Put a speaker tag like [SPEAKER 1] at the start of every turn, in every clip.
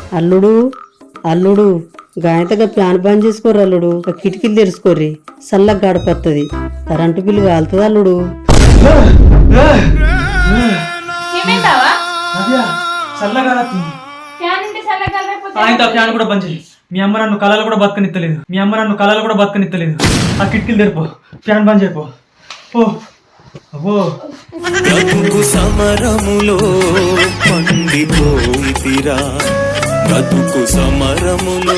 [SPEAKER 1] అల్లుడు అల్లుడు గాయతగా ఫ్యాన్ బంద్ చేసుకోర్రి అల్లుడు, కిటికీలు తెరుచుకోర్రి, చల్లగా గడపత్తది. కరెంటు బిల్లు కాలుతుంది అల్లుడు.
[SPEAKER 2] ఫ్యాన్ కూడా బంద్ చేయి. మీ అమ్మ నన్ను కళలు కూడా బతకనిత్తలేదు. ఆ కిటికీలు తెరిపో, ఫ్యాన్ బంద్ చేయపో. అబ్బో
[SPEAKER 3] బ్రతుకు సమరములో పండిపోయితిరా, బ్రతుకు సమరములో.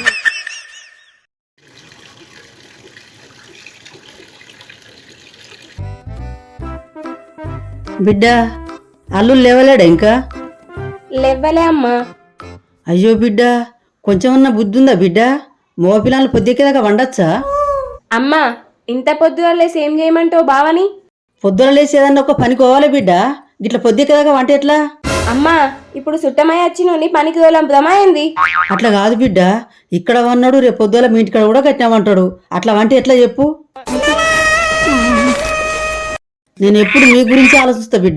[SPEAKER 1] బిడ్డ అల్లుడు లేవలేడా ఇంకా?
[SPEAKER 4] లేవ్వలే అమ్మా.
[SPEAKER 1] అయ్యో బిడ్డ, కొంచెమన్నా బుద్ధి ఉందా బిడ్డ? మోపిల్లలు పొద్దుకేదాకా వండొచ్చా?
[SPEAKER 4] అమ్మా, ఇంత పొద్దుగా లేసి ఏం చేయమంటావు బావని?
[SPEAKER 1] పొద్దున లేచి ఏదన్నా ఒక పనికి పోవాలి బిడ్డ, గిట్ల పొద్దుకేదాకా వంట ఎట్లా?
[SPEAKER 4] అమ్మా, ఇప్పుడు సుట్టమై వచ్చినోని పనికి తోలంపుదమా ఏంది?
[SPEAKER 1] అట్లా కాదు బిడ్డ, ఇక్కడ వన్నాడు రేపు పొద్దుల మీ ఇంటికాడ కూడా కట్టినామంటాడు. అట్లా వంట ఎట్లా చెప్పు? నేను ఎప్పుడు మీ గురించి ఆలోచిస్తా బిడ్డ.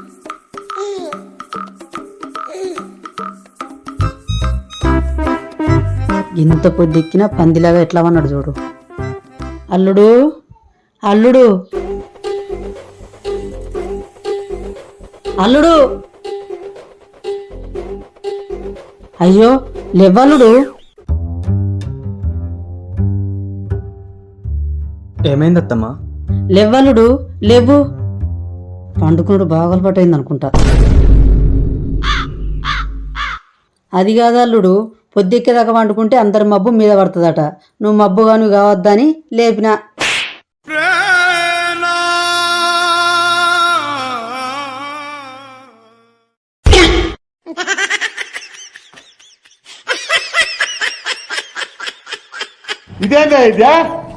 [SPEAKER 1] ఇంత పొద్దెక్కినా పందిలాగా ఎట్లా వన్నాడు చూడు. అల్లుడు అల్లుడు అల్లుడు, అయ్యో లేవల్లుడు.
[SPEAKER 2] ఏమైందత్తమ్మా?
[SPEAKER 1] లేవల్లుడు లేవు, పండుకున్నాడు బాగా అలవాటైంది అనుకుంటా. అది కాదు అల్లుడు, పొద్దెక్కేదాకా వండుకుంటే అందరి మబ్బు మీద పడుతుందట. నువ్వు మబ్బుగా నువ్వు కావద్దని లేపినా.
[SPEAKER 5] ఇదేందా ఇదే?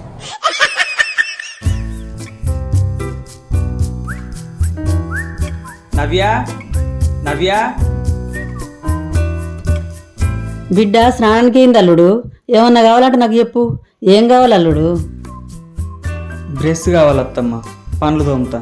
[SPEAKER 2] నవ్య నవ్య,
[SPEAKER 1] బిడ్డ స్నానానికి అయింది అల్లుడు. ఏమన్నా కావాలంటే నాకు చెప్పు. ఏం కావాలి అల్లుడు?
[SPEAKER 2] బ్రష్ కావాలత్తమ్మా, పండ్లు తోముతా.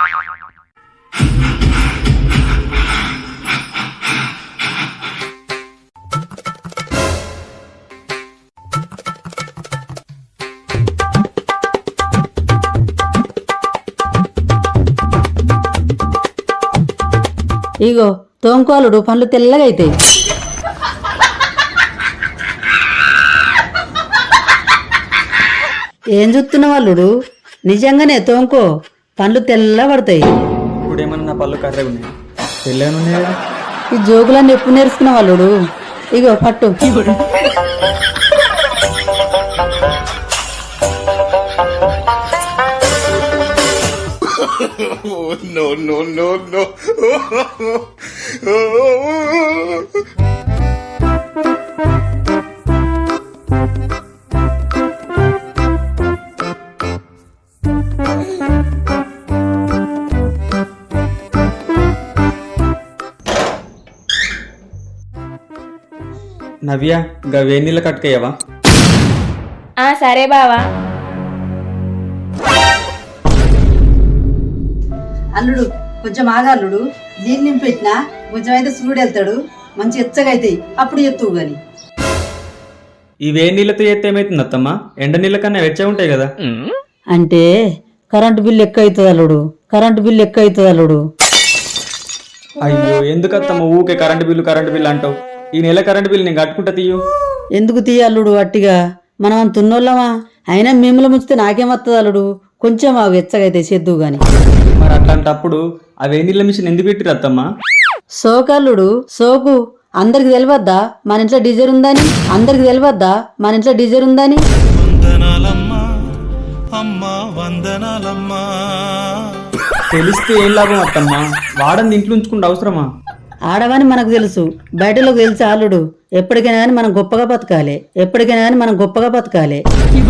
[SPEAKER 1] ఇగో తోముకోవాలుడు, పండ్లు తెల్లగా అవుతాయి. ఏం చూస్తున్నావు అల్లుడు? నిజంగానే తోముకో, పండ్లు తెల్ల పడతాయి.
[SPEAKER 2] ఇప్పుడు ఏమన్నా నా పళ్ళు కర్రగా ఉన్నాయి, తెల్లగా ఉన్నాయి కదా.
[SPEAKER 1] ఈ జోకులన్నీ ఎప్పుడు నేర్చుకున్నావు అల్లుడు? ఇగో పట్టు.
[SPEAKER 3] No, no, no, no.
[SPEAKER 2] నవ్య, గా వేడి నీళ్ళ కట్టుకయ్యవా?
[SPEAKER 4] సరే బావా.
[SPEAKER 1] అల్లుడు కొంచెం ఆగా అల్లుడు, నీళ్ళు నింపెట్టినా కొంచెం అయితే సూడు వెళ్తాడు, మంచి ఎచ్చగా అవుతాయి, అప్పుడు ఎత్తువు గాని.
[SPEAKER 2] ఈ వేడి నీళ్ళతో చేస్తే ఏమైతుంది అత్తమ్మా? ఎండ నీళ్ళ కన్నా వెచ్చగా ఉంటాయి కదా.
[SPEAKER 1] అంటే కరెంటు బిల్లు ఎక్కువ అవుతుంది అల్లుడు, కరెంటు బిల్లు ఎక్కువ అవుతుంది అల్లుడు.
[SPEAKER 2] అయ్యో, ఎందుకు అత్తమ్మ ఊకే కరెంటు బిల్లు అంటావు? ఈ నెల కరెంటు బిల్లు నేను కట్టుకుంటా తీయు.
[SPEAKER 1] ఎందుకు తీయ అల్లుడు అట్టిగా? మనం అంత ఉన్నోళ్ళమా? అయినా మిమ్మల్ని ముంచితే నాకేమత్తది అల్లుడు, కొంచెం ఆగు ఎచ్చగా అయితే చేద్దువు గాని.
[SPEAKER 2] మరి అట్లాంటప్పుడు ఆ వేడి నీళ్ళ మిషన్ ఎందుకు పెట్టిరు అత్తమ్మా?
[SPEAKER 1] సోకల్లుడు సోకు, అందరికి తెలియద్దా మన ఇంట్లో డీజర్ ఉందని? అందరికి తెలియద్దా మన ఇంట్లో డీజర్ ఉందని?
[SPEAKER 3] వందనాలమ్మా అమ్మా, వందనాలమ్మా.
[SPEAKER 2] తెలిస్తే ఏం లాభం అత్తమ్మా? వాడని ఇంట్లో ఉంచుకుంటే అవసరమా?
[SPEAKER 1] ఆడవని మనకు తెలుసు, బయటలోకి తెలుసు అల్లుడు. ఎప్పటికైనా కానీ మనం గొప్పగా బతకాలి, ఎప్పటికైనా కానీ మనం గొప్పగా బతకాలి.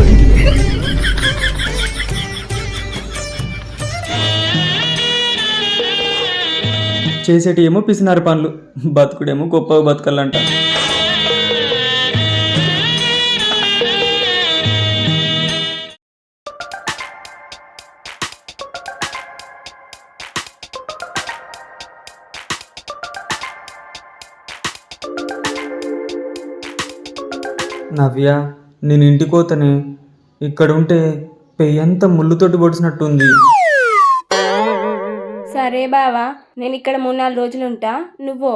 [SPEAKER 2] చేసేటి ఏమో పిసినారు పనులు, బతుకుడేమో గొప్పగా బతకాలంట. నవ్య, నేను ఇంటికి పోతానే. ఇక్కడ ఉంటే పెయ్యంతా ముళ్ళుతోటి పొడిచినట్టుంది.
[SPEAKER 4] సరే బావా, నేను ఇక్కడ 3-4 రోజులు ఉంటా, నువ్వు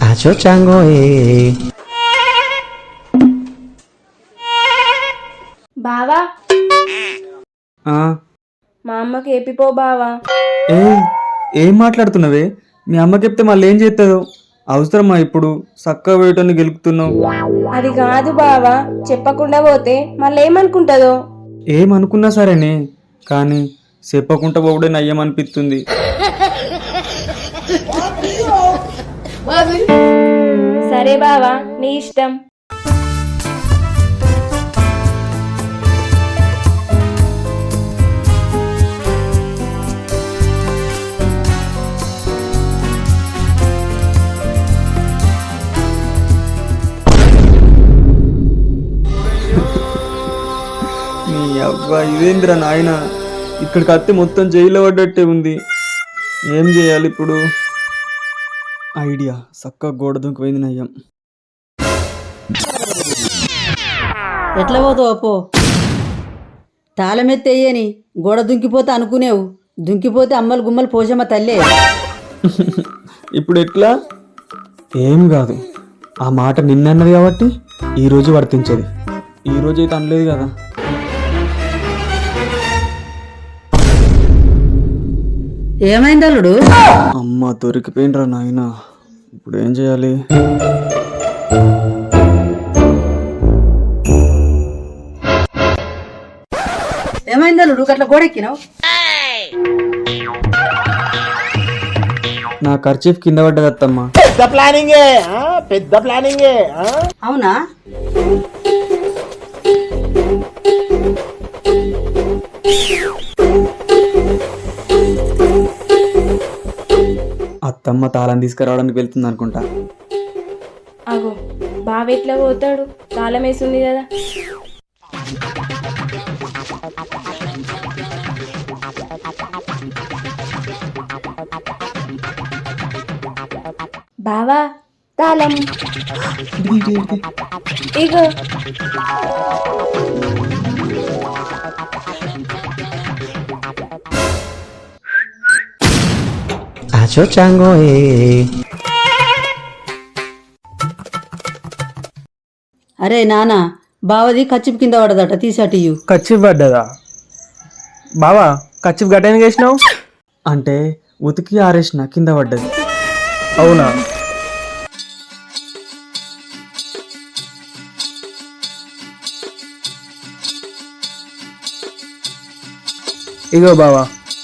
[SPEAKER 4] బావా
[SPEAKER 2] ఆ,
[SPEAKER 4] మా అమ్మకి ఏపిపో బావా.
[SPEAKER 2] ఏ ఏం మాట్లాడుతున్నావే? మీ అమ్మకి చెప్తే మళ్ళీ ఏం చేస్తుందో? అవసరమా ఇప్పుడు చక్కగా వేయటాన్ని గెలుపుతున్నావు?
[SPEAKER 4] అది కాదు బావా, చెప్పకుండా పోతే మళ్ళీ ఏమనుకుంటుందో.
[SPEAKER 2] ఏమనుకున్నా సరేనే, కానీ చెప్పకుండా పోవడే నయ్యమనిపిస్తుంది.
[SPEAKER 4] సరే బావా, నీ ఇష్టం.
[SPEAKER 2] నీ అవ్వ, ఇదేంద్రా నాయన, ఇక్కడికి అత్తే మొత్తం జైల్లో పడ్డట్టే ఉంది. ఏం చేయాలి ఇప్పుడు? ఐడియా, చక్కగా గోడ దుంకిపోయింది నయ్యం.
[SPEAKER 1] ఎట్లా పోతావు పో. తాళమెత్తయ్యని గోడ దుంకిపోతే అనుకునేవు, దుంకిపోతే అమ్మలు గుమ్మలు పోషమ్మ తల్లే.
[SPEAKER 2] ఇప్పుడు ఎట్లా? ఏం కాదు, ఆ మాట నిన్నన్నది కాబట్టి ఈరోజు వర్తించేది. ఈరోజు అయితే అనలేదు కదా.
[SPEAKER 1] ఏమైంది అల్లుడు?
[SPEAKER 2] అమ్మ దొరికిపోయినరా నాయన, ఇప్పుడు ఏం చేయాలి?
[SPEAKER 1] ఏమైంది అల్లుడు అట్లా గోడెక్కినావు?
[SPEAKER 2] నా ఖర్చీఫ్ కింద పడ్డది అత్తమ్మ.
[SPEAKER 5] పెద్ద ప్లానింగే.
[SPEAKER 1] అవునా?
[SPEAKER 2] అత్తమ్మ తాళం తీసుకురావడానికి వెళ్తుంది అనుకుంటా.
[SPEAKER 4] అగో, బావ ఎట్లా పోతాడు? తాళం వేసింది కదా. బావా, తాళం ఇగో.
[SPEAKER 1] అరే నాన్న, బావది కచ్చిపు కింద పడదట, తీసాటియు.
[SPEAKER 6] కచ్చిఫ్ పడ్డదా? బావా, కచ్చిఫ్ గట్టెందుకు వేసినావు?
[SPEAKER 2] అంటే ఉతికి ఆరేసిన, కింద పడ్డది.
[SPEAKER 6] అవునా? ఇగో బావా.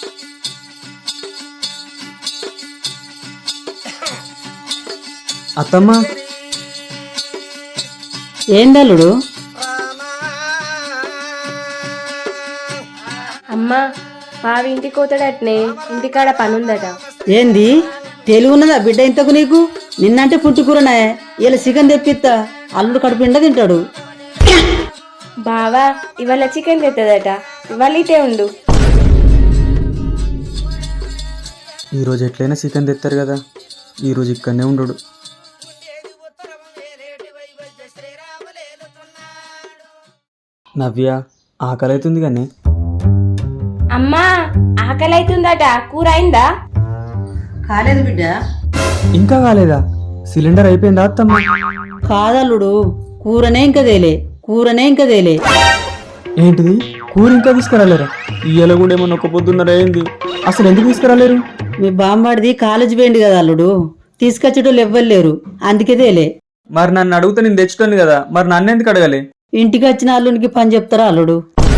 [SPEAKER 2] అత్తమ్మ,
[SPEAKER 1] ఏందల్లుడు?
[SPEAKER 4] అమ్మా, బావ ఇంటికి పోతాడట్నే, ఇంటికాడ పనుందట.
[SPEAKER 1] ఏంది తెలుగున్నదా బిడ్డ ఇంతకు నీకు? నిన్నంటే పుట్టుకూరనే, ఇలా చికెన్ తెప్పిస్తా, అల్లుడు కడుపుండా తింటాడు.
[SPEAKER 4] బావా ఇవాళ చికెన్ తెత్తదట, ఇవాళ ఇటే ఉండు.
[SPEAKER 2] ఈరోజు ఎట్లయినా చికెన్ తెస్తారు కదా, ఈరోజు ఇక్కడనే ఉండడు. నవ్య, ఆకలి అవుతుంది కానీ.
[SPEAKER 4] అమ్మా, ఆకలి అవుతుందట, కూర అయిందా?
[SPEAKER 1] కాలేదు బిడ్డ.
[SPEAKER 2] ఇంకా కాలేదా? సిలిండర్ అయిపోయిందా అత్తమ్మ?
[SPEAKER 1] కాదల్లుడు, కూరనే ఇంకా తేలే.
[SPEAKER 2] ఏంటిది, కూర ఇంకా తీసుకురాలేరా? ఇయ్యాల కూడా ఏమన్నా ఒక పొద్దున్నర అయింది, అసలు ఎందుకు తీసుకురాలేరు?
[SPEAKER 1] మీ బామ్మడిది కాలేజీ పోయింది కదా అల్లుడు, తీసుకొచ్చేటోళ్ళు ఎవ్వలేరు, అందుకే తేలే.
[SPEAKER 2] మరి నన్ను అడిగితే నేను తెచ్చుతాను కదా, మరి నన్ను ఎందుకు అడగాలి?
[SPEAKER 1] ఇంటికి వచ్చిన అల్లునికి పని చెప్తారా అల్లుడు?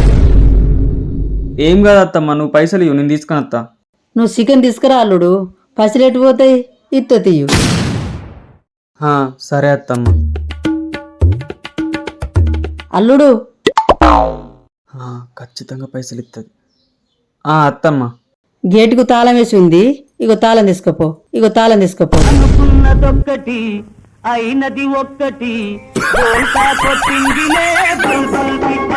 [SPEAKER 2] ఏం కాదు అత్తమ్మ, నువ్వు పైసలు ఇవ్వు, నేను తీసుకుని వస్తా.
[SPEAKER 1] నువ్వు చికెన్ తీసుకురా అల్లుడు, పసిలేటు పోతాయి, ఇత్తో తీయు.
[SPEAKER 2] సరే అత్తమ్మ.
[SPEAKER 1] అల్లుడు,
[SPEAKER 2] ఖచ్చితంగా పైసలు ఇస్తుంది. అత్తమ్మ,
[SPEAKER 1] గేటుకు తాళం వేసి ఉంది, ఇగో తాళం తీసుకపో.
[SPEAKER 7] అనుకున్నదొక్కటి అయినది ఒక్కటి బోల్తా కొట్టిందిలే బుల్బుల్ పిట్ట.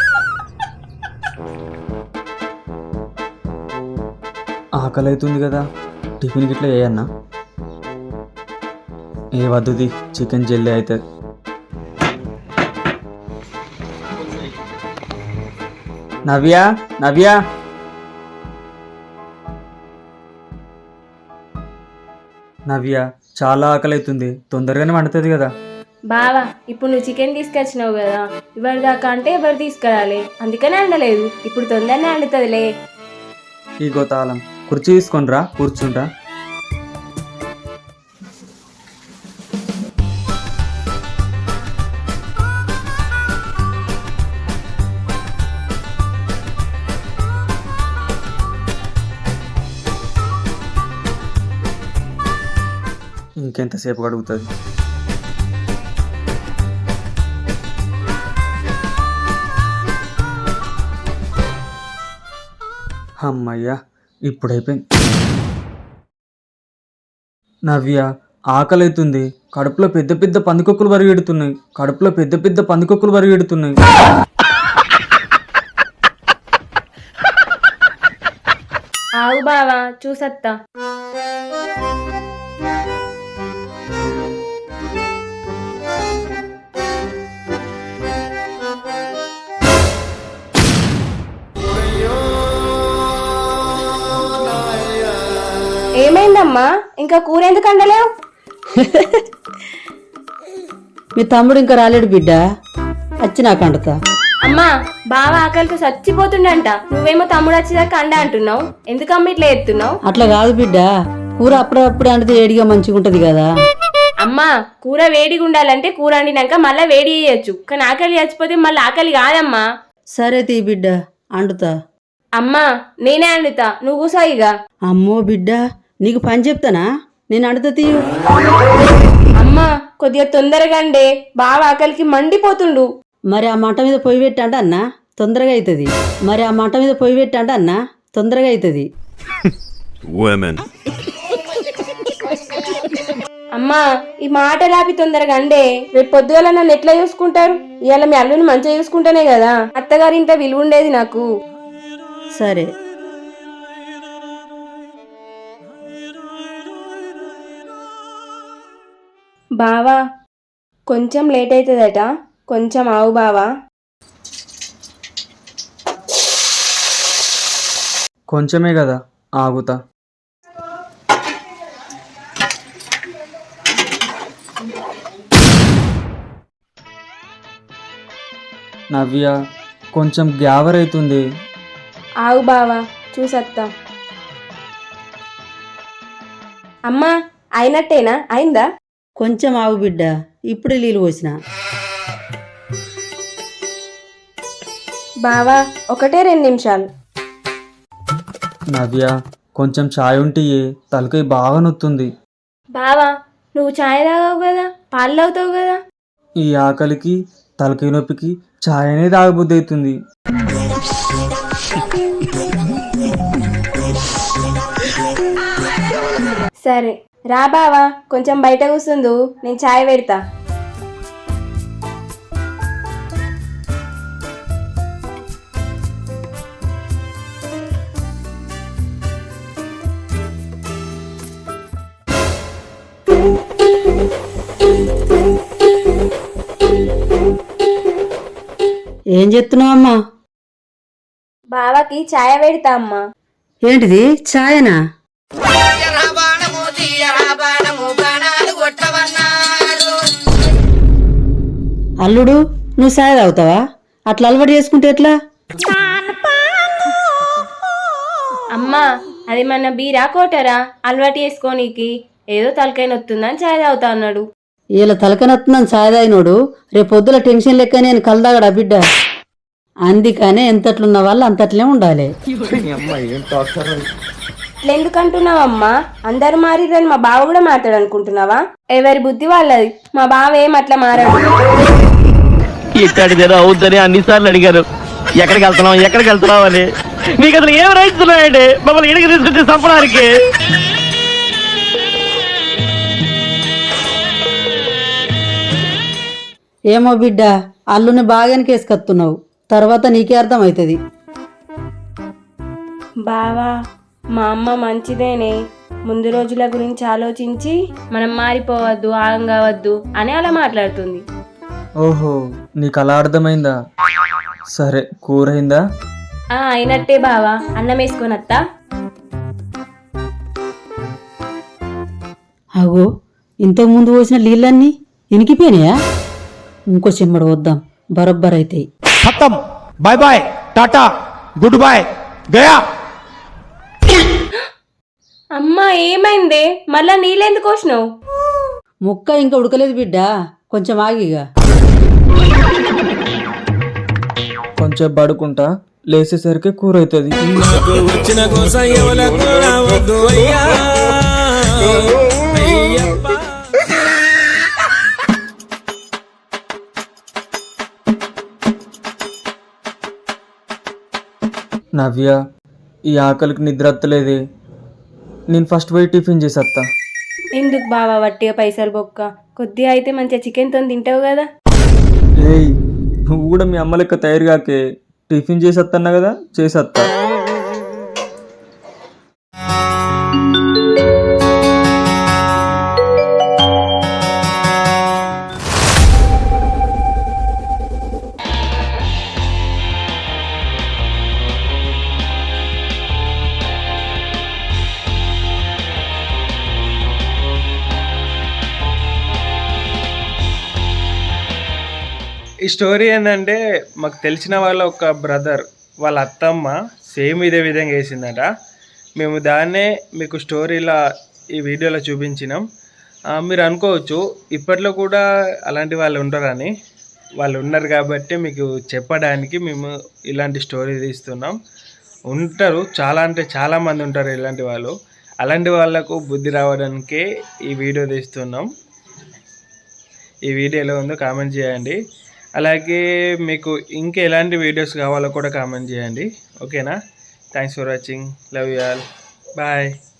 [SPEAKER 2] ఆకలి అవుతుంది కదా, టిఫిన్ గిట్లా చేయన్నా? ఏ వద్దుది, చికెన్ జల్దీ అవుతుంది. నవ్య నవ్య నవ్య చాలా ఆకలి అవుతుంది, తొందరగానే వండుతుంది కదా.
[SPEAKER 4] బావా ఇప్పుడు నువ్వు చికెన్ తీసుకొచ్చినావు కదా, ఎవరి దాకా అంటే ఎవరు తీసుకురాలి, అందుకనే అండలేదు. ఇప్పుడు తొందరనే అండుతుందిలే.
[SPEAKER 2] ఈ గోతాలం కుర్చీ తీసుకొని రా, కూర్చుంటా. ఇంకెంతసేపు అడుగుతుంది? అమ్మయ్యా, ఇప్పుడైపోయింది. నవ్య ఆకలి అవుతుంది, కడుపులో పెద్ద పెద్ద పందికొక్కులు పరిగెడుతున్నాయి, కడుపులో పెద్ద పెద్ద పందికొక్కులు పరిగెడుతున్నాయి.
[SPEAKER 4] ఆగు బావా, చూసత్తా. ఏమైందమ్మా, ఇంకా కూర ఎందుకు అండలేవు?
[SPEAKER 1] మీ తమ్ముడు ఇంకా రాలేడు బిడ్డ, వచ్చి నాకు అండుతా.
[SPEAKER 4] అమ్మా, బావ ఆకలితో చచ్చిపోతుండంట, నువ్వేమో తమ్ముడు వచ్చేదాకా అండ అంటున్నావు. ఎందుకమ్మ ఇట్లా ఎత్తున్నావు?
[SPEAKER 1] అట్లా కాదు బిడ్డ, కూర అప్పుడప్పుడే అండితే ఏడిగా మంచిగా ఉంటది కదా.
[SPEAKER 4] అమ్మా, కూర వేడిగా ఉండాలంటే కూర వండినాక మళ్ళీ వేడి చేయొచ్చు, కానీ ఆకలి చచ్చిపోతే మళ్ళీ ఆకలి కాదమ్మా.
[SPEAKER 1] సరే తీ బిడ్డ, అండుతా.
[SPEAKER 4] అమ్మా, నేనే అండుతా, నువ్వు కూసాయిగా.
[SPEAKER 1] అమ్మో బిడ్డ, నీకు పని చెప్తానా? నేను అండుతా తీయు.
[SPEAKER 4] అమ్మా, కొద్దిగా తొందరగా అండే, బావ ఆకలికి మండిపోతుండు.
[SPEAKER 1] మరి ఆ మంట మీద పొయ్యి పెట్టండి అన్న, తొందరగా అవుతుంది. మరి ఆ మంట మీద పొయ్యి పెట్టండి అన్న, తొందరగా అవుతుంది.
[SPEAKER 4] అమ్మా, ఈ మాట లాపి తొందరగా అండే, రేపు పొద్దుగల నన్ను ఎట్లా చూసుకుంటారు? ఇవాళ మీ అల్లుని మంచిగా చూసుకుంటానే కదా అత్తగారి ఇంట్లో విలువ ఉండేది నాకు.
[SPEAKER 1] సరే.
[SPEAKER 4] బావా, కొంచెం లేట్ అవుతుందట, కొంచెం ఆవు బావా.
[SPEAKER 2] కొంచెమే కదా, ఆగుతా. నవ్య కొంచెం గ్యావర్ అవుతుంది.
[SPEAKER 4] ఆవు బావా, చూసత్తా. అమ్మా, అయినట్టేనా? అయిందా?
[SPEAKER 1] కొంచెం ఆవు బిడ్డ, ఇప్పుడే నీళ్ళు పోసిన.
[SPEAKER 4] బావా, ఒకటే 2 నిమిషాలు.
[SPEAKER 2] నవ్య కొంచెం ఛాయ్ ఉంటే తలకాయ బాగా నొత్తుంది.
[SPEAKER 4] బావా, నువ్వు ఛాయ్ తాగావు కదా, పాలు తాగుతావు కదా.
[SPEAKER 2] ఈ ఆకలికి తలకాయ నొప్పికి ఛాయ్ అనేది తాగబుద్ధి అవుతుంది.
[SPEAKER 4] సరే రా బావా, కొంచెం బయట కూర్చుందు, నేను ఛాయ్ పెడతా.
[SPEAKER 1] ఏం చెప్తున్నావు అమ్మా?
[SPEAKER 4] బావాకి ఛాయ్ పెడతా అమ్మా.
[SPEAKER 1] ఏంటిది, ఛాయనా? అల్లుడు, నువ్వు ఛాయ్ తాగుతావా? అట్లా అలవాటు చేసుకుంటే ఎట్లా?
[SPEAKER 4] అమ్మా, అది మన బీరా కోటరా, అలవాటు చేసుకోనీకి. ఏదో తలకాయ నొత్తుందని ఛాయ్ తాగుతా అన్నాడు.
[SPEAKER 1] ఇలా తలకనొత్తుందని ఛాయ్ తాగినోడు రేపు పొద్దుల టెన్షన్ లెక్క నేను కలదాగడా బిడ్డ. అందుకనే ఎంతట్లున్న వాళ్ళు అంతట్లే ఉండాలి.
[SPEAKER 4] ఇట్లా ఎందుకంటున్నావమ్మా? అందరు మారిరని మా బావ కూడా మాట్లాడు అనుకుంటున్నావా? ఎవరి బుద్ధి వాళ్ళది, మా బావ ఏం అట్లా మారాడు.
[SPEAKER 7] ఇక్కడిదేదో అవుద్దని అన్నిసార్లు అడిగారు, ఎక్కడికి వెళ్తున్నావు అని. మీకు అసలు ఏం రైట్స్ ఉన్నాయండి మమ్మల్ని ఇడికి తీసుకొచ్చి చంపడానికి?
[SPEAKER 1] ఏమో బిడ్డ, అల్లుని బాగానే కేసుకత్తున్నావు, తర్వాత నీకే అర్థమవుతుంది.
[SPEAKER 4] బావా, మా అమ్మ మంచిదేనే, ముందు రోజుల గురించి ఆలోచించి మనం మారిపోవద్దు, ఆగం కావద్దు అని అలా మాట్లాడుతుంది.
[SPEAKER 2] ఓహో, నీకు అలా అర్థమైందా? సరే, కూర అయిందా?
[SPEAKER 4] అయినట్టే బావా, అన్నం వేసుకొని అత్తా.
[SPEAKER 1] అగో ఇంతకు ముందు పోసిన నీళ్ళన్నీ ఇనికిపోయినాయా? ఇంకో చెమ్మడు వద్దాం, బరబ్బర్ అవుతాయి.
[SPEAKER 6] ఖతం, bye bye, tata, good bye, గయా.
[SPEAKER 4] అమ్మా ఏమైందే, మళ్ళా నీళ్ళెందుకు పోసినావు?
[SPEAKER 1] ముక్క ఇంకా ఉడకలేదు బిడ్డ, కొంచెం ఆగిగా.
[SPEAKER 2] కొంచెం పడుకుంటా, లేచేసరికి కూర అవుతుంది.
[SPEAKER 3] వచ్చిన కోసం ఎవలకు రావద్దు అయ్యా అయ్యప్ప.
[SPEAKER 2] నవ్య, ఈ ఆకలికి నిద్ర వత్తలేదే. నేను ఫస్ట్ పోయి టిఫిన్ చేసేస్తా.
[SPEAKER 4] ఎందుకు బావా వట్టిగా పైసలు బొక్క, కొద్దిగా అయితే మంచిగా చికెన్తో తింటావు కదా.
[SPEAKER 2] ఏయ్, నువ్వు కూడా మీ అమ్మ లెక్క తయారు కాకే, టిఫిన్ చేసేస్తున్నా కదా, చేసేస్తా.
[SPEAKER 6] ఈ స్టోరీ ఏంటంటే, మాకు తెలిసిన వాళ్ళ ఒక బ్రదర్ వాళ్ళ అత్తమ్మ సేమ్ ఇదే విధంగా వేసిందట. మేము దాన్నే మీకు స్టోరీలా ఈ వీడియోలో చూపించినాం. మీరు అనుకోవచ్చు ఇప్పట్లో కూడా అలాంటి వాళ్ళు ఉంటారని. వాళ్ళు ఉన్నారు కాబట్టి మీకు చెప్పడానికి మేము ఇలాంటి స్టోరీ తీస్తున్నాం. ఉంటారు, చాలా అంటే చాలామంది ఉంటారు ఇలాంటి వాళ్ళు. అలాంటి వాళ్ళకు బుద్ధి రావడానికే ఈ వీడియో తీస్తున్నాం. ఈ వీడియోలో ఉందో కామెంట్ చేయండి. అలాగే మీకు ఇంకా ఎలాంటి వీడియోస్ కావాలో కూడా కామెంట్ చేయండి. ఓకేనా? Thanks for watching. Love you all. Bye.